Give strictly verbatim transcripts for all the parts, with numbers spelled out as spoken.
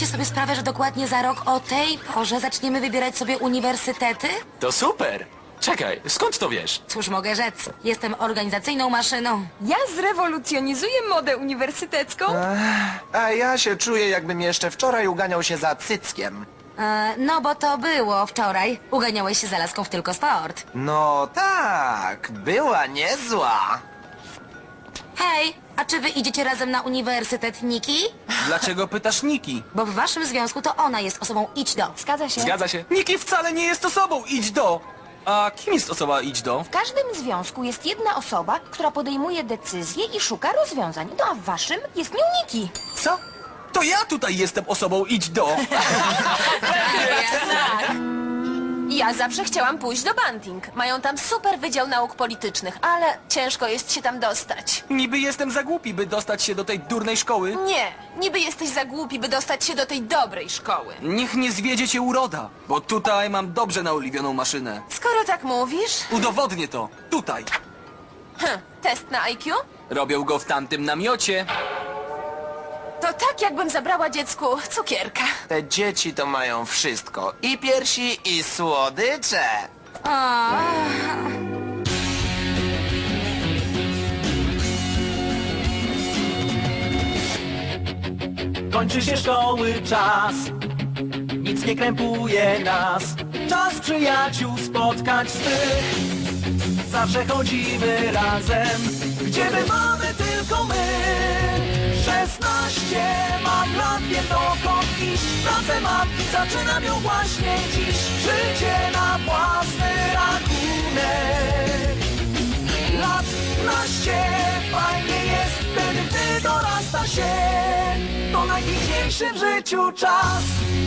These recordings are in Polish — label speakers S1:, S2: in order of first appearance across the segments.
S1: Zdajecie sobie sprawę, że dokładnie za rok o tej porze zaczniemy wybierać sobie uniwersytety?
S2: To super! Czekaj, skąd to wiesz?
S1: Cóż mogę rzec? Jestem organizacyjną maszyną.
S3: Ja zrewolucjonizuję modę uniwersytecką.
S4: A ja się czuję, jakbym jeszcze wczoraj uganiał się za cyckiem.
S1: E, no bo to było wczoraj. Uganiałeś się za laską w Tylko Sport.
S4: No tak, była niezła.
S1: Hej, a czy wy idziecie razem na uniwersytet Niki?
S5: Dlaczego pytasz Niki?
S1: Bo w waszym związku to ona jest osobą idź do.
S3: Zgadza się.
S2: Zgadza się.
S5: Niki wcale nie jest osobą, idź do! A kim jest osoba idź do?
S3: W każdym związku jest jedna osoba, która podejmuje decyzje i szuka rozwiązań. No a w waszym jest nią Niki.
S5: Co? To ja tutaj jestem osobą idź do!
S3: Tak. Ja zawsze chciałam pójść do Banting. Mają tam super wydział nauk politycznych, ale ciężko jest się tam dostać.
S5: Niby jestem za głupi, by dostać się do tej durnej szkoły.
S3: Nie, niby jesteś za głupi, by dostać się do tej dobrej szkoły.
S5: Niech nie zwiedzie cię uroda, bo tutaj mam dobrze naoliwioną maszynę.
S3: Skoro tak mówisz,
S5: Udowodnię to. Tutaj.
S3: hm, test na I Q?
S5: Robią go w tamtym namiocie.
S3: To tak, jakbym zabrała dziecku cukierka.
S4: Te dzieci to mają wszystko. I piersi, i słodycze.
S1: O,
S6: Kończy się szkoły czas, nic nie krępuje nas. Czas przyjaciół spotkać swych. Zawsze chodzimy razem, gdzie my mamy tylko my. Szesnaście mam lat, wiem dokąd iść. Pracę mam i zaczynam ją właśnie dziś. Życie na własny rachunek. Lat naście, fajnie jest wtedy, gdy dorasta się. To najpiękniejszy w życiu czas.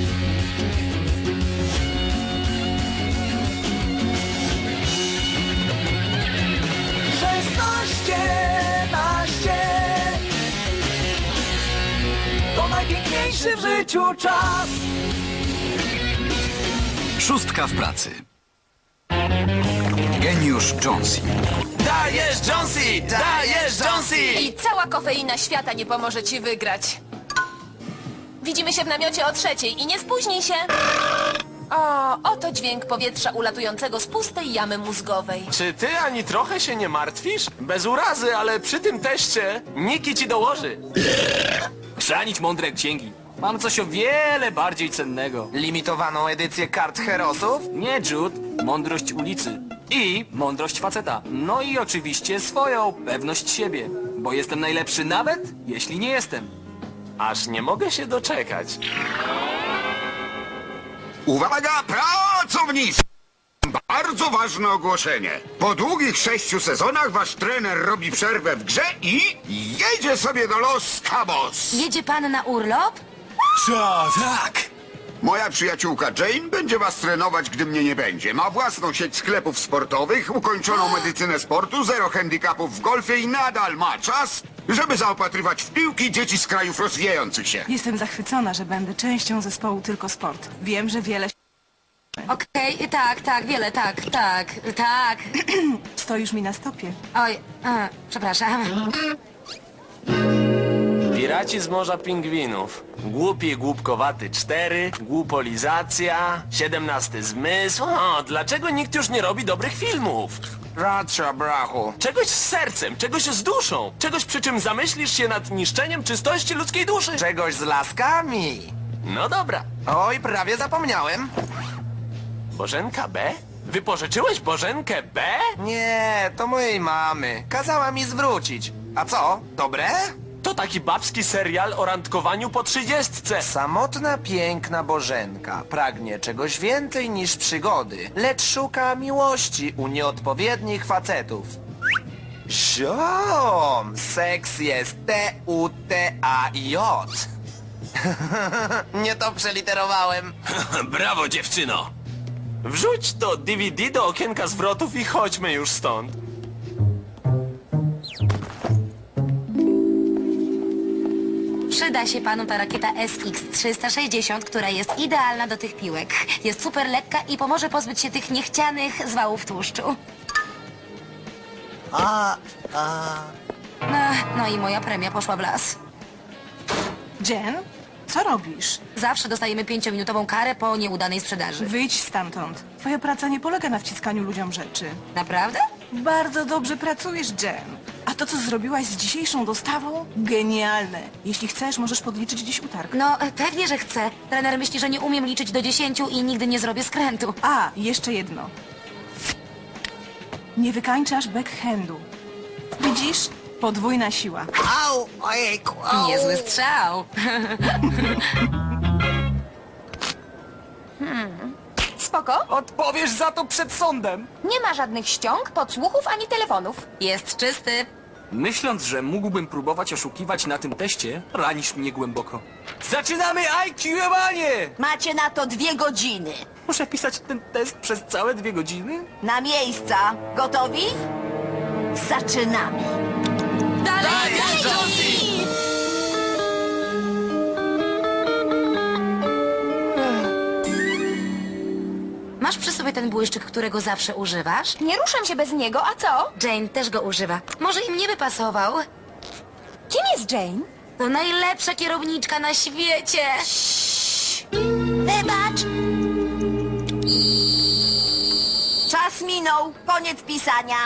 S6: Szesnaście, naście. To najpiękniejszy w życiu czas.
S7: Szóstka w pracy. Geniusz Jonesy.
S4: Dajesz, Jonesy! Dajesz, Jonesy!
S3: I cała kofeina świata nie pomoże ci wygrać. Widzimy się w namiocie o trzeciej i nie spóźnij się. O, oto dźwięk powietrza ulatującego z pustej jamy mózgowej.
S2: Czy ty ani trochę się nie martwisz? Bez urazy, ale przy tym teście Niki ci dołoży.
S5: Chrzanić mądre księgi. Mam coś o wiele bardziej cennego.
S4: Limitowaną edycję kart herosów?
S5: Nie, Jude. Mądrość ulicy. I mądrość faceta. No i oczywiście swoją pewność siebie. Bo jestem najlepszy nawet, jeśli nie jestem.
S2: Aż nie mogę się doczekać.
S8: Uwaga, pracownicy! Bardzo ważne ogłoszenie. Po długich sześciu sezonach wasz trener robi przerwę w grze i jedzie sobie do Los Cabos.
S1: jedzie pan na urlop?
S5: Co? Tak!
S8: Moja przyjaciółka Jane będzie was trenować, gdy mnie nie będzie. Ma własną sieć sklepów sportowych, ukończoną medycynę sportu, zero handicapów w golfie i nadal ma czas, żeby zaopatrywać w piłki dzieci z krajów rozwijających się.
S9: Jestem zachwycona, że będę częścią zespołu Tylko Sport. Wiem, że wiele
S1: Okej, tak, tak, wiele, tak, tak, tak.
S9: stoisz mi na stopie.
S1: Oj, a, przepraszam.
S2: Piraci z Morza Pingwinów. Głupi i głupkowaty cztery, głupolizacja, siedemnasty zmysł. O, dlaczego nikt już nie robi dobrych filmów?
S4: Racja, brachu.
S2: Czegoś z sercem, czegoś z duszą, czegoś przy czym zamyślisz się nad niszczeniem czystości ludzkiej duszy.
S4: Czegoś z laskami.
S2: No dobra.
S4: Oj, prawie zapomniałem.
S2: Bożenka B? Wypożyczyłeś Bożenkę B?
S4: Nie, to mojej mamy. Kazała mi zwrócić. A co, dobre?
S2: To taki babski serial o randkowaniu po trzydziestce.
S4: Samotna, piękna Bożenka pragnie czegoś więcej niż przygody, lecz szuka miłości u nieodpowiednich facetów. Ziom! Seks jest T U T A J. Nie to przeliterowałem.
S2: Brawo, dziewczyno! Wrzuć to D V D do okienka zwrotów i chodźmy już stąd.
S1: Przyda się panu ta rakieta S X trzysta sześćdziesiąt, która jest idealna do tych piłek. Jest super lekka i pomoże pozbyć się tych niechcianych zwałów tłuszczu.
S4: A, a...
S1: No, no i moja premia poszła w las.
S9: Jen, Co robisz?
S1: Zawsze dostajemy pięciominutową karę po nieudanej sprzedaży.
S9: Wyjdź stamtąd. Twoja praca nie polega na wciskaniu ludziom rzeczy.
S1: Naprawdę?
S9: Bardzo dobrze pracujesz, Jen. A to, co zrobiłaś z dzisiejszą dostawą? Genialne. Jeśli chcesz, możesz podliczyć dziś utarg.
S1: No, e, pewnie, że chcę. Trener myśli, że nie umiem liczyć do dziesięciu i nigdy nie zrobię skrętu.
S9: A, jeszcze jedno. Nie wykańczasz backhandu. Widzisz? Podwójna siła.
S6: Au, ojejku, au.
S1: Niezły strzał.
S3: Spoko.
S5: Odpowiesz za to przed sądem.
S3: Nie ma żadnych ściąg, podsłuchów ani telefonów.
S1: Jest czysty.
S5: Myśląc, że mógłbym próbować oszukiwać na tym teście, ranisz mnie głęboko. Zaczynamy I Q-owanie!
S10: Macie na to dwie godziny.
S5: Muszę pisać ten test przez całe dwie godziny?
S10: Na miejsca. Gotowi? Zaczynamy.
S1: Dalej, Josie! Masz przy sobie ten błyszczyk, którego zawsze używasz?
S3: Nie ruszam się bez niego, a co?
S1: Jane też go używa. Może im nie by pasował?
S3: Kim jest Jane?
S1: To najlepsza kierowniczka na świecie!
S10: Wybacz. Czas minął. Koniec pisania.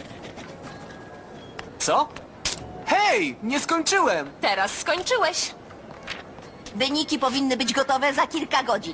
S5: Co? Hej, nie skończyłem!
S3: Teraz skończyłeś.
S10: Wyniki powinny być gotowe za kilka godzin.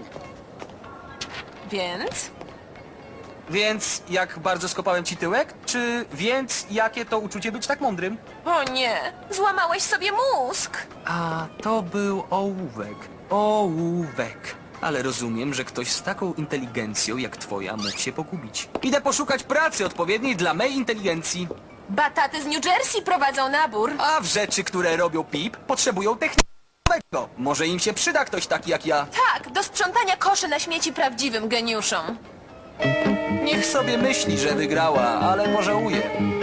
S3: Więc?
S5: Więc jak bardzo skopałem ci tyłek? Czy więc jakie to uczucie być tak mądrym?
S3: O nie, złamałeś sobie mózg.
S5: A to był ołówek. Ołówek. Ale rozumiem, że ktoś z taką inteligencją jak twoja mógł się pogubić. Idę poszukać pracy odpowiedniej dla mej inteligencji.
S3: Bataty z New Jersey prowadzą nabór.
S5: A w rzeczy, które robią pip, potrzebują technicznego. Może im się przyda ktoś taki jak ja.
S3: Tak, do sprzątania koszy na śmieci prawdziwym geniuszom.
S5: Niech sobie myśli, że wygrała, ale pożałuje.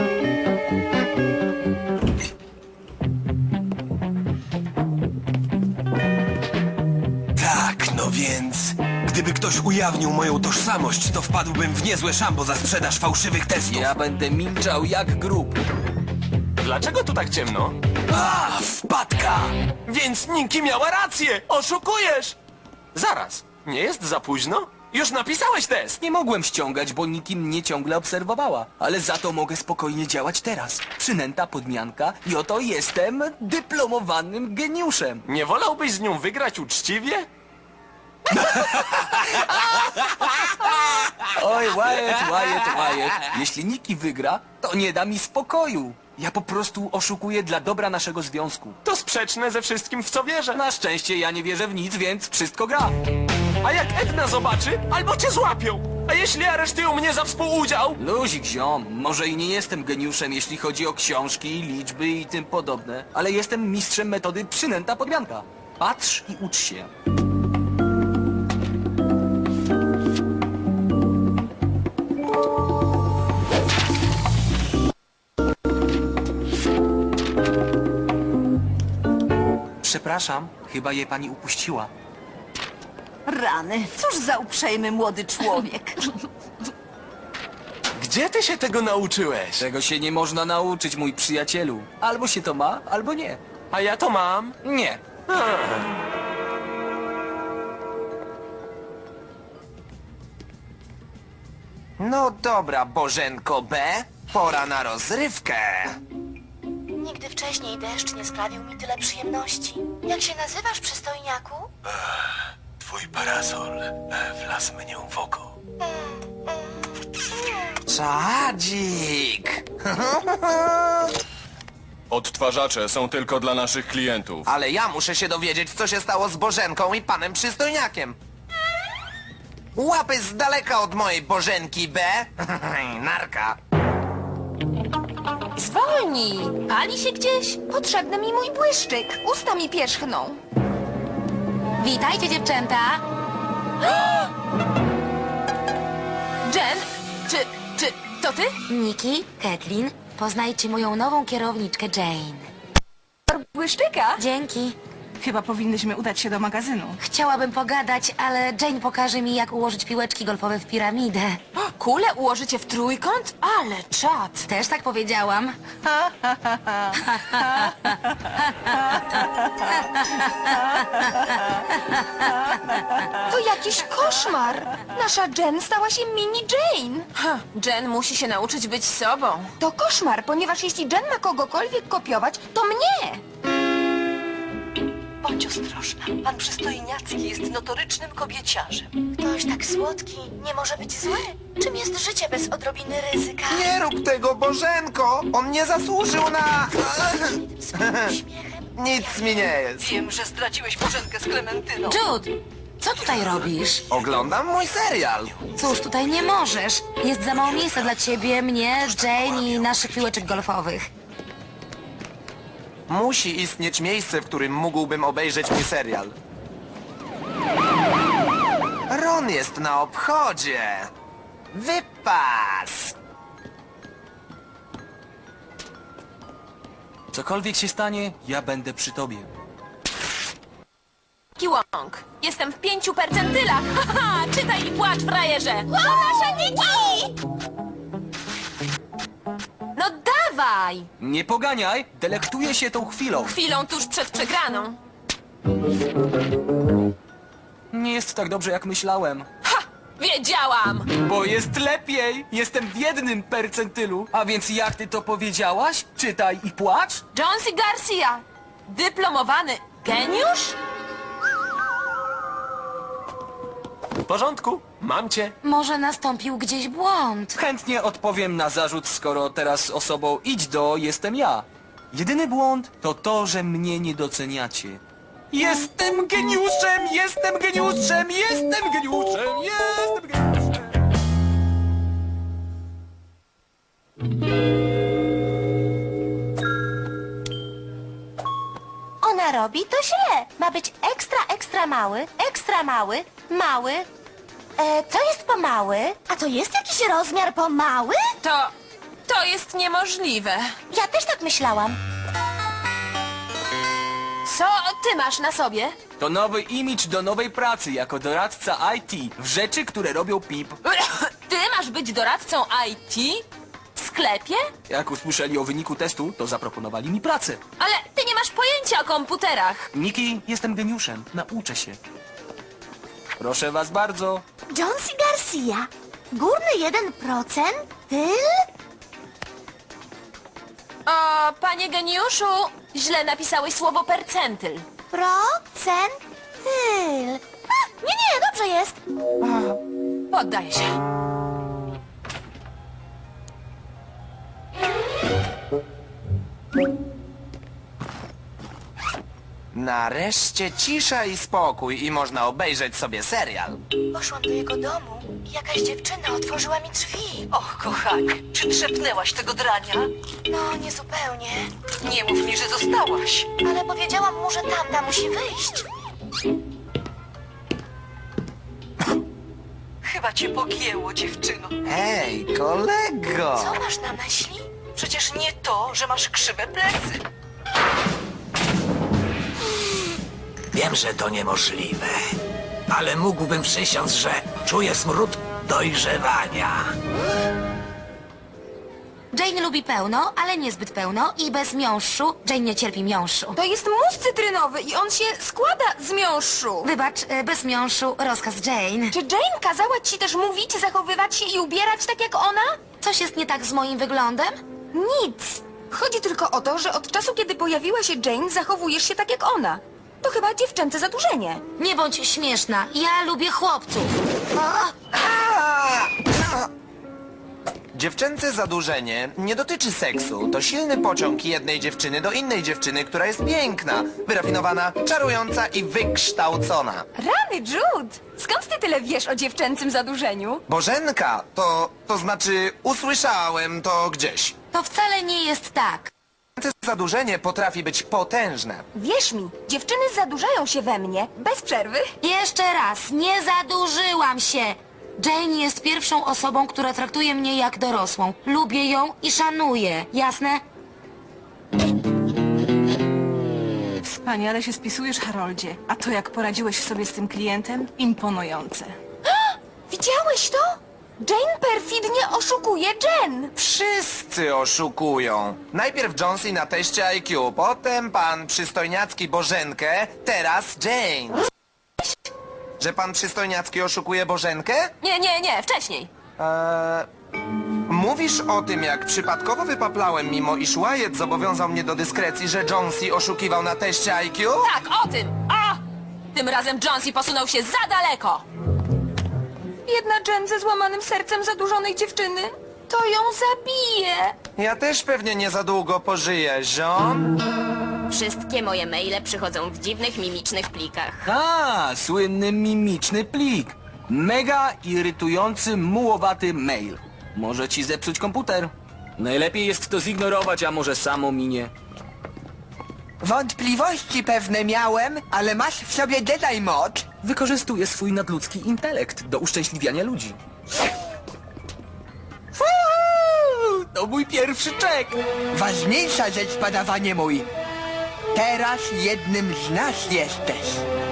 S11: Tak, no więc... Gdyby ktoś ujawnił moją tożsamość, to wpadłbym w niezłe szambo za sprzedaż fałszywych testów.
S5: Ja będę milczał jak grób.
S2: Dlaczego tu tak ciemno?
S11: A, wpadka!
S2: Więc Niki miała rację! Oszukujesz! Zaraz, nie jest za późno? Już napisałeś test!
S5: Nie mogłem ściągać, bo nikim mnie ciągle obserwowała. Ale za to mogę spokojnie działać teraz. Przynęta podmianka i oto jestem dyplomowanym geniuszem.
S2: Nie wolałbyś z nią wygrać uczciwie?
S5: Oj, Wyatt, Wyatt, Wyatt. Jeśli Niki wygra, to nie da mi spokoju. Ja po prostu oszukuję dla dobra naszego związku.
S2: To sprzeczne ze wszystkim, w co wierzę.
S5: Na szczęście ja nie wierzę w nic, więc wszystko gra.
S2: A jak Edna zobaczy, albo cię złapią. A jeśli aresztują mnie za współudział?
S5: Luzik, ziom, może i nie jestem geniuszem, jeśli chodzi o książki, liczby i tym podobne, ale jestem mistrzem metody przynęta podmianka. Patrz i ucz się. Przepraszam, chyba je pani upuściła.
S10: Rany. Cóż za uprzejmy młody człowiek.
S2: Gdzie ty się tego nauczyłeś?
S5: Czego się nie można nauczyć, mój przyjacielu. Albo się to ma, albo nie.
S2: A ja to mam.
S5: Nie.
S4: No dobra, Bożenko B, pora na rozrywkę.
S1: Nigdy wcześniej deszcz nie sprawił mi tyle przyjemności. Jak się nazywasz, przystojniaku?
S11: Twój parasol wlazł mnie w oko.
S4: Czadzik!
S12: Odtwarzacze są tylko dla naszych klientów.
S4: Ale ja muszę się dowiedzieć, co się stało z Bożenką i panem przystojniakiem. Łapy z daleka od mojej Bożenki B. Narka.
S3: Zwolnij! Pali się gdzieś? Potrzebny mi mój błyszczyk. Usta mi pierzchną.
S1: Witajcie, dziewczęta!
S3: Jen, czy, czy to ty?
S1: Niki, Kathleen, poznajcie moją nową kierowniczkę Jane.
S3: Błyszczyka?
S1: Dzięki.
S9: Chyba powinnyśmy udać się do magazynu.
S1: Chciałabym pogadać, ale Jane pokaże mi, jak ułożyć piłeczki golfowe w piramidę.
S3: O, kule ułożycie w trójkąt? Ale czad!
S1: Też tak powiedziałam.
S13: To jakiś koszmar! Nasza Jen stała się mini Jane!
S3: Ha, Jen musi się nauczyć być sobą.
S13: To koszmar, ponieważ jeśli Jen ma kogokolwiek kopiować, to mnie!
S14: Bądź ostrożna. Pan przystojniacki jest notorycznym kobieciarzem.
S10: Ktoś tak słodki nie może być zły. Czym jest życie bez odrobiny ryzyka?
S4: Nie rób tego, Bożenko! On nie zasłużył na... Nic mi nie jest.
S14: Wiem, że zdradziłeś Bożenkę z Klementyną.
S1: Jude, co tutaj robisz?
S4: Oglądam mój serial.
S1: Cóż, tutaj nie możesz. Jest za mało miejsca dla ciebie, mnie, Jane i naszych piłeczek golfowych.
S4: Musi istnieć miejsce, w którym mógłbym obejrzeć mój serial. Ron jest na obchodzie. Wypas!
S5: Cokolwiek się stanie, ja będę przy tobie.
S3: Kiłąg, jestem w pięciu percentylach. Haha, czytaj i płacz, frajerze. To nasza Niki! No dawaj!
S5: Nie poganiaj, delektuję się tą chwilą.
S3: Chwilą tuż przed przegraną.
S5: Nie jest tak dobrze, jak myślałem.
S3: Ha! Wiedziałam!
S5: Bo jest lepiej! Jestem w jednym percentylu. A więc jak ty to powiedziałaś? Czytaj i płacz?
S3: Jonesy Garcia, dyplomowany geniusz?
S2: W porządku, mam cię.
S1: Może nastąpił gdzieś błąd.
S5: Chętnie odpowiem na zarzut, skoro teraz osobą idź do jestem ja. Jedyny błąd to to, że mnie nie doceniacie. Jestem geniuszem, jestem geniuszem, jestem geniuszem, jestem geniuszem.
S10: Ona robi to źle. Ma być ekstra, ekstra mały, ekstra mały, mały. E, co jest po mały? A to jest jakiś rozmiar po mały?
S3: To... to jest niemożliwe.
S10: Ja też tak myślałam.
S3: Co ty masz na sobie?
S5: To nowy imidż do nowej pracy jako doradca I T w rzeczy, które robią pip.
S3: Ty masz być doradcą I T? W sklepie?
S5: Jak usłyszeli o wyniku testu, to zaproponowali mi pracę.
S3: Ale ty nie masz pojęcia o komputerach.
S5: Niki, jestem geniuszem, nauczę się. Proszę was bardzo.
S10: Jonesy Garcia. Górny jeden procent? Tyl?
S3: O, panie geniuszu, źle napisałeś słowo percentyl.
S10: Procent? Tyl. A, nie, nie, dobrze jest.
S3: Poddaję się.
S4: Nareszcie cisza i spokój i można obejrzeć sobie serial.
S10: Poszłam do jego domu i jakaś dziewczyna otworzyła mi drzwi.
S14: Och, kochanie, czy trzepnęłaś tego drania?
S10: No, niezupełnie.
S14: Nie mów mi, że zostałaś.
S10: Ale powiedziałam mu, że tamta musi wyjść.
S14: Chyba cię pogięło, dziewczyno.
S4: Hej, kolego!
S10: Co masz na myśli?
S14: Przecież nie to, że masz krzywe plecy.
S15: Wiem, że to niemożliwe, ale mógłbym przysiąc, że czuję smród dojrzewania.
S1: Jane lubi pełno, ale niezbyt pełno i bez miąższu. Jane nie cierpi miąższu.
S13: To jest mus cytrynowy i on się składa z miąższu.
S1: Wybacz, e, bez miąższu rozkaz Jane.
S13: Czy Jane kazała ci też mówić, zachowywać się i ubierać tak jak ona?
S1: Coś jest nie tak z moim wyglądem?
S13: Nic. Chodzi tylko o to, że od czasu, kiedy pojawiła się Jane, zachowujesz się tak jak ona. To chyba dziewczęce zadłużenie.
S1: Nie bądź śmieszna, ja lubię chłopców.
S4: Dziewczęce zadłużenie nie dotyczy seksu. To silny pociąg jednej dziewczyny do innej dziewczyny, która jest piękna, wyrafinowana, czarująca i wykształcona.
S13: Rany, Jude! Skąd ty tyle wiesz o dziewczęcym zadłużeniu?
S4: Bożenka, to, to znaczy usłyszałem to gdzieś.
S1: To wcale nie jest tak.
S4: Zadłużenie potrafi być potężne.
S13: Wierz mi, dziewczyny zadłużają się we mnie, bez przerwy.
S1: Jeszcze raz, nie zadłużyłam się. Jane jest pierwszą osobą, która traktuje mnie jak dorosłą. Lubię ją i szanuję. Jasne?
S9: Wspaniale się spisujesz, Haroldzie. A to, jak poradziłeś sobie z tym klientem? Imponujące.
S13: Widziałeś to? Jane perfidnie oszukuje Jen.
S4: Wszyscy oszukują. Najpierw Jonesy na teście I Q, potem pan przystojniacki Bożenkę, teraz Jane. Że pan przystojniacki oszukuje Bożenkę?
S3: Nie, nie, nie, wcześniej.
S4: Eee, mówisz o tym, jak przypadkowo wypaplałem, mimo iż Wyatt zobowiązał mnie do dyskrecji, że Jonesy oszukiwał na teście I Q?
S3: Tak, o tym! O! Tym razem Jonesy posunął się za daleko.
S13: Biedna Jen ze złamanym sercem zadłużonej dziewczyny. To ją zabije.
S4: Ja też pewnie nie za długo pożyję, ziom.
S16: Wszystkie moje maile przychodzą w dziwnych, mimicznych plikach.
S5: A, słynny mimiczny plik. Mega irytujący, mułowaty mail. Może ci zepsuć komputer. Najlepiej jest to zignorować, a może samo minie.
S17: Wątpliwości pewne miałem, ale masz w sobie Jedi moc.
S5: Wykorzystuje swój nadludzki intelekt do uszczęśliwiania ludzi. Fuuu, to mój pierwszy czek.
S17: Ważniejsza rzecz, padawanie mój. Teraz jednym z nas jesteś.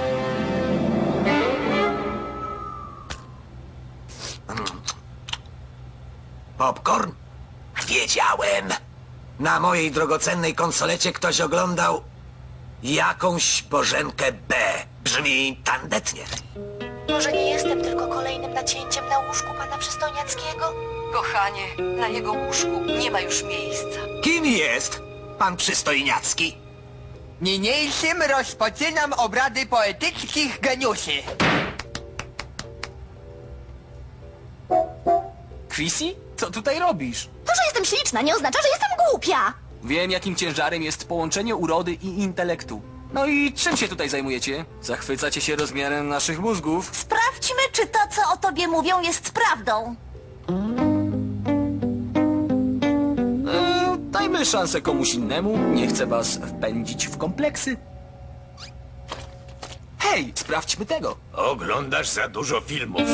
S15: Popcorn? Wiedziałem. Na mojej drogocennej konsolecie ktoś oglądał jakąś Bożenkę B. Brzmi tandetnie.
S10: Może nie jestem tylko kolejnym nacięciem na łóżku pana przystojniackiego?
S14: Kochanie, na jego łóżku nie ma już miejsca.
S15: Kim jest pan przystojniacki?
S17: Niniejszym rozpoczynam obrady poetyckich geniuszy.
S5: Chrissy? Co tutaj robisz?
S10: To, że jestem śliczna, nie oznacza, że jestem głupia.
S5: Wiem, jakim ciężarem jest połączenie urody i intelektu. No i czym się tutaj zajmujecie? Zachwycacie się rozmiarem naszych mózgów?
S10: Sprawdźmy, czy to, co o tobie mówią, jest prawdą.
S5: Eee, dajmy szansę komuś innemu. Nie chcę was wpędzić w kompleksy. Hej, sprawdźmy tego.
S18: Oglądasz za dużo filmów.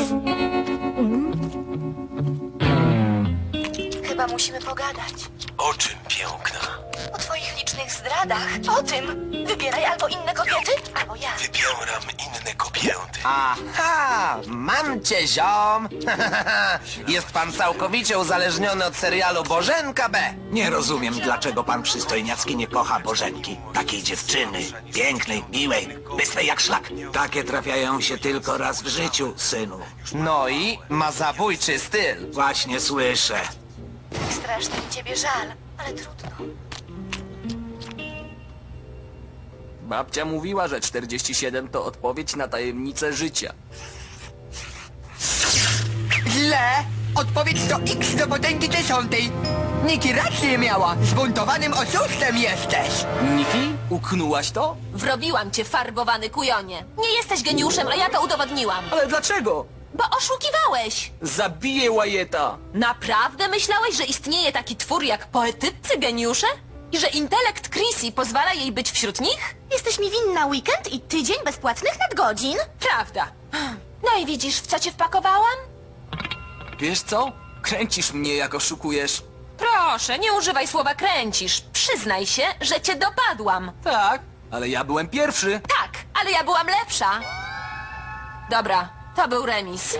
S10: Chyba musimy pogadać.
S11: O czym, piękna?
S10: O twoich licznych zdradach. O tym. Wybieraj albo inne kobiety, albo ja.
S11: Wybieram inne kobiety.
S4: Aha, mam cię, ziom. Jest pan całkowicie uzależniony od serialu Bożenka B.
S15: Nie rozumiem, dlaczego pan przystojniacki nie kocha Bożenki. Takiej dziewczyny. Pięknej, miłej, bystrej jak szlak. Takie trafiają się tylko raz w życiu, synu.
S4: No i ma zabójczy styl.
S15: Właśnie słyszę.
S10: Strasznie mi ciebie żal, ale trudno.
S5: Babcia mówiła, że czterdzieści siedem to odpowiedź na tajemnicę życia.
S17: Źle! Odpowiedź to X do potęgi dziesiątej. Niki rację miała. Zbuntowanym oszustem jesteś.
S5: Niki? Uknułaś to?
S3: Wrobiłam cię, farbowany kujonie. Nie jesteś geniuszem, a ja to udowodniłam.
S5: Ale dlaczego?
S3: Bo oszukiwałeś.
S5: Zabiję Wyatta.
S3: Naprawdę myślałeś, że istnieje taki twór jak poetyccy geniusze? I że intelekt Chrissy pozwala jej być wśród nich?
S10: Jesteś mi winna weekend i tydzień bezpłatnych nadgodzin?
S3: Prawda. No i widzisz, w co cię wpakowałam?
S5: Wiesz co? Kręcisz mnie, jak oszukujesz.
S3: Proszę, nie używaj słowa kręcisz. Przyznaj się, że cię dopadłam.
S5: Tak, ale ja byłem pierwszy.
S3: Tak, ale ja byłam lepsza. Dobra, to był remis.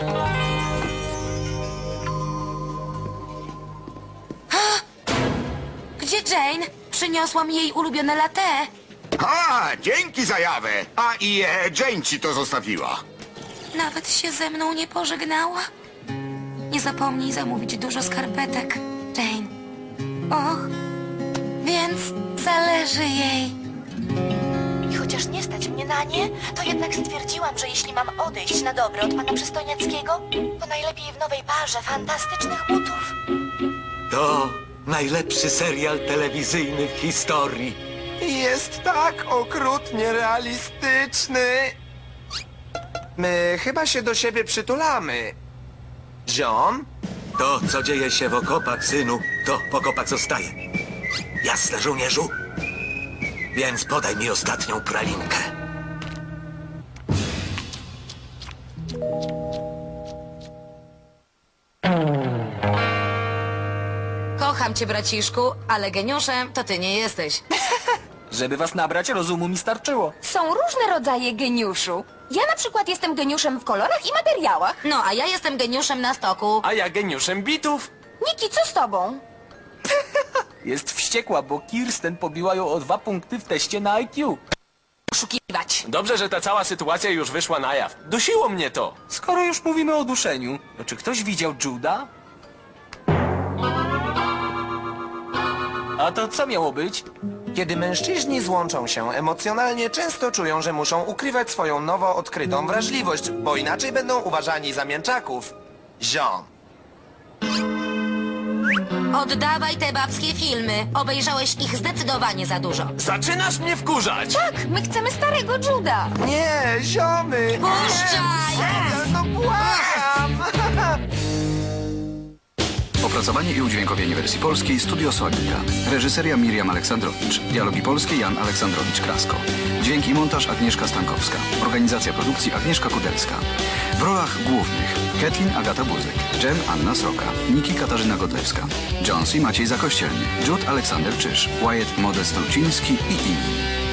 S1: Gdzie Jane? Przyniosłam jej ulubione latte.
S8: A, dzięki za jawę. A i e, Jane ci to zostawiła.
S1: Nawet się ze mną nie pożegnała. Nie zapomnij zamówić dużo skarpetek, Jane. Och, więc zależy jej.
S10: I chociaż nie stać mnie na nie, to jednak stwierdziłam, że jeśli mam odejść na dobre od pana przystojniackiego, to najlepiej w nowej parze fantastycznych butów.
S15: To najlepszy serial telewizyjny w historii.
S4: Jest tak okrutnie realistyczny. My chyba się do siebie przytulamy. Ziom?
S15: To, co dzieje się w okopach, synu, to w okopach zostaje. Jasne, żołnierzu? Więc podaj mi ostatnią pralinkę.
S1: Kocham cię, braciszku, ale geniuszem to ty nie jesteś.
S5: Żeby was nabrać, rozumu mi starczyło.
S13: Są różne rodzaje geniuszu. Ja na przykład jestem geniuszem w kolorach i materiałach.
S1: No, a ja jestem geniuszem na stoku.
S2: A ja geniuszem bitów.
S13: Niki, co z tobą?
S5: Jest wściekła, bo Kirsten pobiła ją o dwa punkty w teście na I Q.
S3: Oszukiwać.
S2: Dobrze, że ta cała sytuacja już wyszła na jaw. Dusiło mnie to.
S5: Skoro już mówimy o duszeniu, to czy ktoś widział Juda? A to co miało być?
S4: Kiedy mężczyźni złączą się emocjonalnie, często czują, że muszą ukrywać swoją nowo odkrytą wrażliwość, bo inaczej będą uważani za mięczaków. Ziom.
S1: Oddawaj te babskie filmy. Obejrzałeś ich zdecydowanie za dużo.
S2: Zaczynasz mnie wkurzać!
S13: Tak, my chcemy starego Juda.
S4: Nie, ziomy!
S1: Puszczaj!
S4: No błagam!
S7: Opracowanie i udźwiękowienie wersji polskiej Studio Sonika. Reżyseria Miriam Aleksandrowicz. Dialogi polskie Jan Aleksandrowicz-Krasko. Dźwięk i montaż Agnieszka Stankowska. Organizacja produkcji Agnieszka Kudelska. W rolach głównych Kathleen Agata Buzek, Jen Anna Sroka, Niki Katarzyna Godlewska, Jonesy Maciej Zakościelny, Jude Aleksander Czyż, Wyatt Modest Luciński i inni.